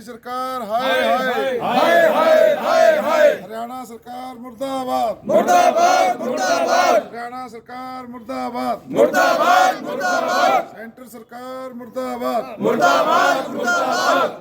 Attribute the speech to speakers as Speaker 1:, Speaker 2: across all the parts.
Speaker 1: सरकार हाय हाय हाय हाय हाय हाय। हरियाणा सरकार मुर्दाबाद मुर्दाबाद मुर्दाबाद। हरियाणा सरकार मुर्दाबाद मुर्दाबाद मुर्दाबाद। सेंटर सरकार मुर्दाबाद मुर्दाबाद मुर्दाबाद।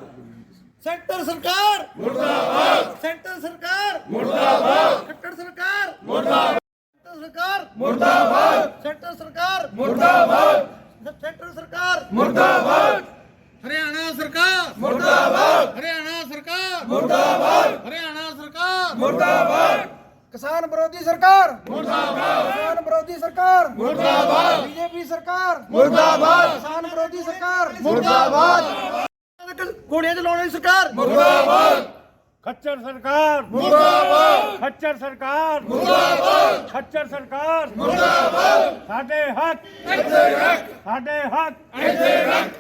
Speaker 2: सेंटर सरकार
Speaker 1: मुर्दाबाद
Speaker 2: सेंटर सरकार
Speaker 1: मुर्दाबाद।
Speaker 2: खट्टर सरकार
Speaker 1: मुर्दाबाद
Speaker 2: सेंटर सरकार
Speaker 1: मुर्दाबाद
Speaker 2: सेंटर सरकार
Speaker 1: मुर्दाबाद
Speaker 2: सेंटर सरकार
Speaker 1: मुर्दाबाद
Speaker 2: हरियाणा सरकार
Speaker 1: मुर्दाबाद
Speaker 2: हरियाणा सरकार
Speaker 1: मुर्दाबाद
Speaker 2: हरियाणा सरकार
Speaker 1: मुर्दाबाद
Speaker 2: किसान विरोधी सरकार
Speaker 1: मुर्दाबाद
Speaker 2: किसान विरोधी सरकार
Speaker 1: मुर्दाबाद
Speaker 2: बीजेपी सरकार
Speaker 1: मुर्दाबाद
Speaker 2: किसान विरोधी सरकार
Speaker 1: मुर्दाबाद
Speaker 2: गोलियां चलाने वाली सरकार
Speaker 1: मुर्दाबाद
Speaker 3: खच्चर सरकार
Speaker 1: मुर्दाबाद
Speaker 3: खच्चर सरकार
Speaker 1: मुर्दाबाद
Speaker 3: खच्चर सरकार
Speaker 1: मुर्दाबाद
Speaker 3: साडे हक
Speaker 1: ਇੱਥੇ ਰੱਖ
Speaker 3: साडे हक
Speaker 1: ਇੱਥੇ ਰੱਖ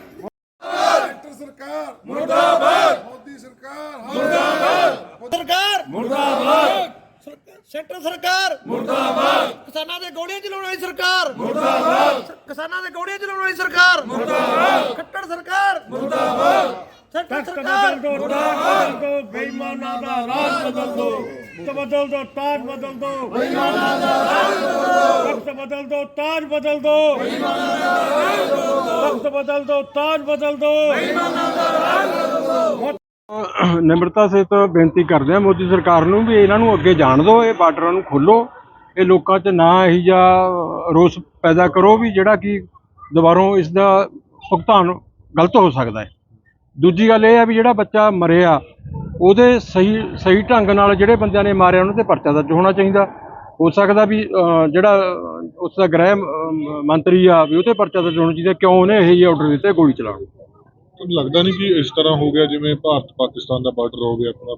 Speaker 1: सेंटर सरकार मुर्दाबाद मोदी सरकार मुर्दाबाद
Speaker 2: सरकार
Speaker 1: मुर्दाबाद
Speaker 2: सेंटर सरकार
Speaker 1: मुर्दाबाद
Speaker 2: किसानां दे गोलियां चलाने वाली सरकार
Speaker 1: मुर्दाबाद
Speaker 2: किसानां दे गोलियां चलाने वाली सरकार
Speaker 1: मुर्दाबाद
Speaker 2: खट्टर सरकार
Speaker 1: मुर्दाबाद
Speaker 2: सेंटर
Speaker 3: तख्त
Speaker 2: सरकार
Speaker 3: बदल दो ताज बदल दो बेईमाना दा राज बदल दो तख्त बदल दो ताज बदल दो बेईमाना दा राज बदल दो तख्त बदल दो ताज बदल दो बेईमाना दा राज बदल दो तख्त बदल दो ताज बदल दो बेईमाना दा राज बदल दो। ਨਿਮਰਤਾ ਸਹਿਤ ਬੇਨਤੀ ਕਰਦੇ ਆ ਮੋਦੀ ਸਰਕਾਰ ਨੂੰ ਵੀ ਇਹਨਾਂ ਨੂੰ ਅੱਗੇ ਜਾਣ ਦਿਓ, ਇਹ ਬਾਰਡਰਾਂ ਨੂੰ ਖੋਲੋ, ਇਹ ਲੋਕਾਂ 'ਚ ਨਾ ਇਹੀ ਜਿਹਾ ਰੋਸ ਪੈਦਾ ਕਰੋ ਵੀ ਜਿਹੜਾ ਕਿ ਦੁਬਾਰੋਂ ਇਸ ਦਾ ਭੁਗਤਾਨ ਗਲਤ ਹੋ ਸਕਦਾ ਹੈ। ਦੂਜੀ ਗੱਲ ਇਹ ਆ ਵੀ ਜਿਹੜਾ ਬੱਚਾ ਮਰਿਆ ਉਹਦੇ ਸਹੀ ਢੰਗ ਨਾਲ ਜਿਹੜੇ ਬੰਦਿਆਂ ਨੇ ਮਾਰਿਆ ਉਹਨਾਂ 'ਤੇ ਪਰਚਾ ਦਰਜ ਹੋਣਾ ਚਾਹੀਦਾ। ਹੋ ਸਕਦਾ ਵੀ ਜਿਹੜਾ ਉਸ ਦਾ ਗ੍ਰਹਿ ਮੰਤਰੀ ਆ ਵੀ ਉਹ 'ਤੇ ਪਰਚਾ ਦਰਜ ਹੋਣਾ ਚਾਹੀਦਾ, ਕਿਉਂ ਉਹਨੇ ਇਹੋ ਜਿਹੇ ਆਰਡਰ ਦਿੱਤੇ ਗੋਲੀ ਚਲਾਉਣ ਨੂੰ।
Speaker 4: ਲੱਗਦਾ ਨਹੀਂ ਕਿ ਇਸ ਤਰ੍ਹਾਂ ਹੋ ਗਿਆ ਜਿਵੇਂ ਭਾਰਤ ਪਾਕਿਸਤਾਨ ਦਾ ਬਾਰਡਰ ਹੋ ਗਿਆ ਆਪਣਾ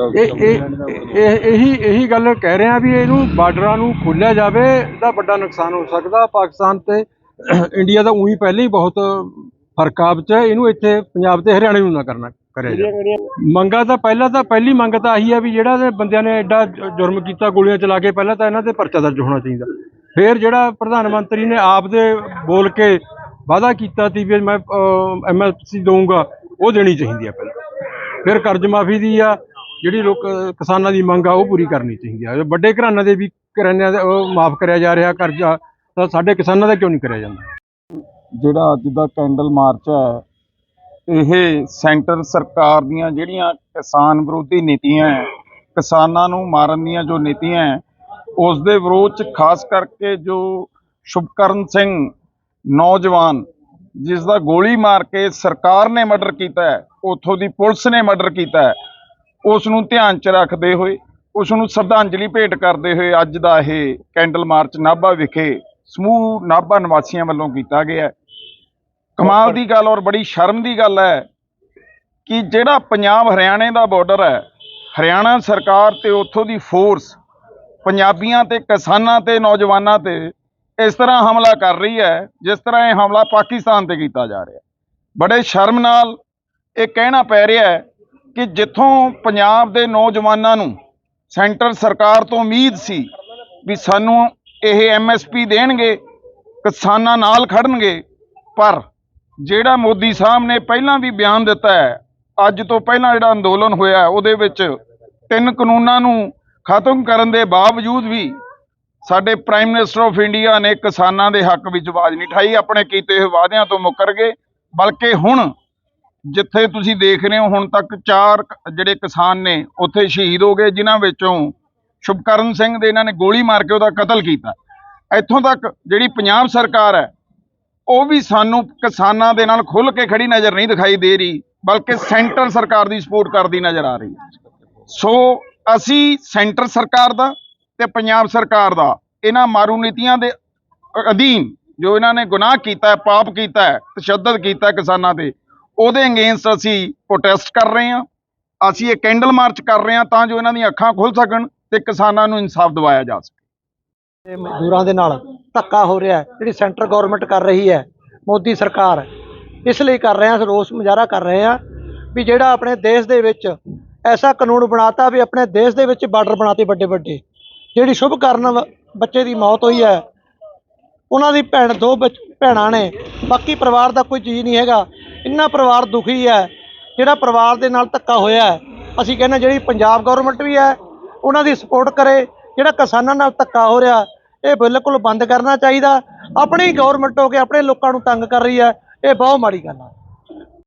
Speaker 4: ਜਿਹੜਾ
Speaker 3: ਇਹੀ ਗੱਲ ਕਹਿ ਰਹੇ ਆ ਵੀ ਇਹਨੂੰ ਬਾਰਡਰਾਂ ਨੂੰ ਖੋਲ੍ਹਿਆ ਜਾਵੇ, ਇਹਦਾ ਵੱਡਾ ਨੁਕਸਾਨ ਹੋ ਸਕਦਾ। ਪਾਕਿਸਤਾਨ ਤੇ ਇੰਡੀਆ ਦਾ ਉਹੀ ਪਹਿਲਾਂ ਹੀ ਬਹੁਤ ਫਰਕ ਆ ਵਿੱਚ, ਇਹਨੂੰ ਇੱਥੇ ਪੰਜਾਬ ਤੇ ਹਰਿਆਣੇ ਨੂੰ ਨਾ ਕਰਿਆ ਜਾਵੇ। ਮੰਗਾਂ ਤਾਂ ਪਹਿਲੀ ਮੰਗ ਤਾਂ ਆਹੀ ਆ ਵੀ ਜਿਹੜਾ ਬੰਦਿਆਂ ਨੇ ਐਡਾ ਜੁਰਮ ਕੀਤਾ ਗੋਲੀਆਂ ਚਲਾ ਕੇ, ਪਹਿਲਾਂ ਤਾਂ ਇਹਨਾਂ ਤੇ ਪਰਚਾ ਦਰਜ ਹੋਣਾ ਚਾਹੀਦਾ। ਫਿਰ ਜਿਹੜਾ ਪ੍ਰਧਾਨ ਮੰਤਰੀ ਨੇ ਆਪ ਦੇ ਬੋਲ ਕੇ ਵਾਅਦਾ ਕੀਤਾ ਸੀ ਵੀ ਮੈਂ MSP ਦਊਂਗਾ, ਉਹ ਦੇਣੀ ਚਾਹੀਦੀ ਆ ਪਹਿਲਾਂ। ਫਿਰ ਕਰਜ਼ ਮਾਫੀ ਦੀ ਆ ਜਿਹੜੀ ਕਿਸਾਨਾਂ ਦੀ ਮੰਗ ਆ ਉਹ ਪੂਰੀ ਕਰਨੀ ਚਾਹੀਦੀ ਆ। ਵੱਡੇ ਘਰਾਣਿਆਂ ਦੇ ਵੀ ਘਰਾਣਿਆਂ ਦਾ ਉਹ ਮਾਫ ਕਰਿਆ ਜਾ ਰਿਹਾ ਕਰਜ਼ਾ, ਤਾਂ ਸਾਡੇ ਕਿਸਾਨਾਂ ਦਾ ਕਿਉਂ ਨਹੀਂ ਕਰਿਆ ਜਾਂਦਾ?
Speaker 5: ਜਿਹੜਾ ਅੱਜ ਦਾ ਕੈਂਡਲ ਮਾਰਚ ਹੈ, ਇਹ ਸੈਂਟਰ ਸਰਕਾਰ ਦੀਆਂ ਜਿਹੜੀਆਂ ਕਿਸਾਨ ਵਿਰੋਧੀ ਨੀਤੀਆਂ ਹੈ, ਕਿਸਾਨਾਂ ਨੂੰ ਮਾਰਨ ਦੀਆਂ ਜੋ ਨੀਤੀਆਂ ਹੈ, ਉਸ ਦੇ ਵਿਰੋਧ 'ਚ ਖਾਸ ਕਰਕੇ ਜੋ ਸ਼ੁਭਕਰਨ ਸਿੰਘ ਨੌਜਵਾਨ ਜਿਸ ਦਾ ਗੋਲੀ ਮਾਰ ਕੇ ਸਰਕਾਰ ਨੇ ਮਰਡਰ ਕੀਤਾ ਹੈ, ਉੱਥੋਂ ਦੀ ਪੁਲਿਸ ਨੇ ਮਰਡਰ ਕੀਤਾ ਹੈ, ਉਸ ਨੂੰ ਧਿਆਨ 'ਚ ਰੱਖਦੇ ਹੋਏ, ਉਸ ਨੂੰ ਸ਼ਰਧਾਂਜਲੀ ਭੇਟ ਕਰਦੇ ਹੋਏ ਅੱਜ ਦਾ ਇਹ ਕੈਂਡਲ ਮਾਰਚ ਨਾਭਾ ਵਿਖੇ ਸਮੂਹ ਨਾਭਾ ਨਿਵਾਸੀਆਂ ਵੱਲੋਂ ਕੀਤਾ ਗਿਆ। ਕਮਾਲ ਦੀ ਗੱਲ ਔਰ ਬੜੀ ਸ਼ਰਮ ਦੀ ਗੱਲ ਹੈ ਕਿ ਜਿਹੜਾ ਪੰਜਾਬ ਹਰਿਆਣੇ ਦਾ ਬਾਰਡਰ ਹੈ, ਹਰਿਆਣਾ ਸਰਕਾਰ ਤੇ ਉੱਥੋਂ ਦੀ ਫੋਰਸ ਪੰਜਾਬੀਆਂ ਤੇ ਕਿਸਾਨਾਂ ਤੇ ਨੌਜਵਾਨਾਂ ਤੇ ਇਸ ਤਰ੍ਹਾਂ ਹਮਲਾ ਕਰ ਰਹੀ ਹੈ ਜਿਸ ਤਰ੍ਹਾਂ ਇਹ ਹਮਲਾ ਪਾਕਿਸਤਾਨ ਤੇ ਕੀਤਾ ਜਾ ਰਿਹਾ। ਬੜੇ ਸ਼ਰਮ ਨਾਲ ਇਹ ਕਹਿਣਾ ਪੈ ਰਿਹਾ ਹੈ ਕਿ ਜਿੱਥੋਂ ਪੰਜਾਬ ਦੇ ਨੌਜਵਾਨਾਂ ਨੂੰ ਸੈਂਟਰ ਸਰਕਾਰ ਤੋਂ ਉਮੀਦ ਸੀ ਵੀ ਸਾਨੂੰ ਇਹ MSP ਦੇਣਗੇ, ਕਿਸਾਨਾਂ ਨਾਲ ਖੜਨਗੇ, ਪਰ ਜਿਹੜਾ ਮੋਦੀ ਸਾਹਿਬ ਨੇ ਪਹਿਲਾਂ ਵੀ ਬਿਆਨ ਦਿੱਤਾ ਹੈ, ਅੱਜ ਤੋਂ ਪਹਿਲਾਂ ਜਿਹੜਾ ਅੰਦੋਲਨ ਹੋਇਆ ਉਹਦੇ ਵਿੱਚ 3 ਕਾਨੂੰਨਾਂ ਨੂੰ ਖਤਮ ਕਰਨ ਦੇ ਬਾਵਜੂਦ ਵੀ ਸਾਡੇ ਪ੍ਰਾਈਮ ਮਿਨਿਸਟਰ ਆਫ ਇੰਡੀਆ ਨੇ ਕਿਸਾਨਾਂ ਦੇ ਹੱਕ ਵਿੱਚ ਆਵਾਜ਼ ਨਹੀਂ ਉਠਾਈ, ਆਪਣੇ ਕੀਤੇ ਹੋਏ ਵਾਅਦਿਆਂ ਤੋਂ ਮੁੱਕਰ ਗਏ। ਬਲਕਿ ਹੁਣ ਜਿੱਥੇ ਤੁਸੀਂ ਦੇਖ ਰਹੇ ਹੋ, ਹੁਣ ਤੱਕ 4 ਜਿਹੜੇ ਕਿਸਾਨ ਨੇ ਉੱਥੇ ਸ਼ਹੀਦ ਹੋ ਗਏ, ਜਿਨ੍ਹਾਂ ਵਿੱਚੋਂ ਸ਼ੁਭਕਰਨ ਸਿੰਘ ਦੇ ਇਹਨਾਂ ਨੇ ਗੋਲੀ ਮਾਰ ਕੇ ਉਹਦਾ ਕਤਲ ਕੀਤਾ। ਇੱਥੋਂ ਤੱਕ ਜਿਹੜੀ ਪੰਜਾਬ ਸਰਕਾਰ ਹੈ ਉਹ ਵੀ ਸਾਨੂੰ ਕਿਸਾਨਾਂ ਦੇ ਨਾਲ ਖੁੱਲ੍ਹ ਕੇ ਖੜੀ ਨਜ਼ਰ ਨਹੀਂ ਦਿਖਾਈ ਦੇ ਰਹੀ, ਬਲਕਿ ਸੈਂਟਰ ਸਰਕਾਰ ਦੀ ਸਪੋਰਟ ਕਰਦੀ ਨਜ਼ਰ ਆ ਰਹੀ ਹੈ। ਸੋ ਅਸੀਂ ਸੈਂਟਰ ਸਰਕਾਰ ਦਾ ਤੇ ਪੰਜਾਬ ਸਰਕਾਰ ਦਾ ਇਹਨਾਂ ਮਾਰੂ ਨੀਤੀਆਂ ਦੇ ਅਧੀਨ ਜੋ ਇਹਨਾਂ ਨੇ ਗੁਨਾਹ ਕੀਤਾ ਹੈ, ਪਾਪ ਕੀਤਾ ਹੈ, ਤਸ਼ੱਦਦ ਕੀਤਾ ਕਿਸਾਨਾਂ ਤੇ, ਉਹਦੇ ਅਗੇਂਸਟ ਅਸੀਂ ਪ੍ਰੋਟੈਸਟ ਕਰ ਰਹੇ ਹਾਂ। ਅਸੀਂ ਇਹ ਕੈਂਡਲ ਮਾਰਚ ਕਰ ਰਹੇ ਹਾਂ ਤਾਂ ਜੋ ਇਹਨਾਂ ਦੀਆਂ ਅੱਖਾਂ ਖੁੱਲ੍ਹ ਸਕਣ ਤੇ ਕਿਸਾਨਾਂ ਨੂੰ ਇਨਸਾਫ ਦਿਵਾਇਆ ਜਾ ਸਕੇ।
Speaker 2: ਮਜ਼ਦੂਰਾਂ ਦੇ ਨਾਲ ਧੱਕਾ ਹੋ ਰਿਹਾ ਹੈ, ਜਿਹੜੀ ਸੈਂਟਰ ਗਵਰਨਮੈਂਟ ਕਰ ਰਹੀ ਹੈ, ਮੋਦੀ ਸਰਕਾਰ, ਇਸ ਲਈ ਕਰ ਰਹੇ ਹਾਂ, ਰੋਸ ਮੁਜ਼ਾਹਰਾ ਕਰ ਰਹੇ ਹਾਂ ਵੀ ਜਿਹੜਾ ਆਪਣੇ ਦੇਸ਼ ਦੇ ਵਿੱਚ ਐਸਾ ਕਾਨੂੰਨ ਬਣਾਤਾ ਵੀ ਆਪਣੇ ਦੇਸ਼ ਦੇ ਵਿੱਚ ਬਾਰਡਰ ਬਣਾਤੇ ਵੱਡੇ ਵੱਡੇ। ਜਿਹੜੀ ਸ਼ੁਭਕਰਨ ਬੱਚੇ ਦੀ ਮੌਤ ਹੋਈ ਹੈ, ਉਹਨਾਂ ਦੀ ਦੋ ਭੈਣਾਂ ਨੇ, ਬਾਕੀ ਪਰਿਵਾਰ ਦਾ ਕੋਈ ਚੀਜ਼ ਨਹੀਂ ਹੈਗਾ। ਇੰਨਾ ਪਰਿਵਾਰ ਦੁਖੀ ਹੈ ਜਿਹੜਾ ਪਰਿਵਾਰ ਦੇ ਨਾਲ ਧੱਕਾ ਹੋਇਆ ਹੈ, ਅਸੀਂ ਕਹਿੰਦੇ ਜਿਹੜੀ ਪੰਜਾਬ ਗਵਰਨਮੈਂਟ ਵੀ ਹੈ ਉਹਨਾਂ ਦੀ ਸਪੋਰਟ ਕਰੇ। ਜਿਹੜਾ ਕਿਸਾਨਾਂ ਨਾਲ ਧੱਕਾ ਹੋ ਰਿਹਾ ਇਹ ਬਿਲਕੁਲ ਬੰਦ ਕਰਨਾ ਚਾਹੀਦਾ। ਆਪਣੀ ਗਵਰਨਮੈਂਟ ਹੋ ਕੇ ਆਪਣੇ ਲੋਕਾਂ ਨੂੰ ਤੰਗ ਕਰ ਰਹੀ ਹੈ, ਇਹ ਬਹੁਤ ਮਾੜੀ ਗੱਲ ਹੈ।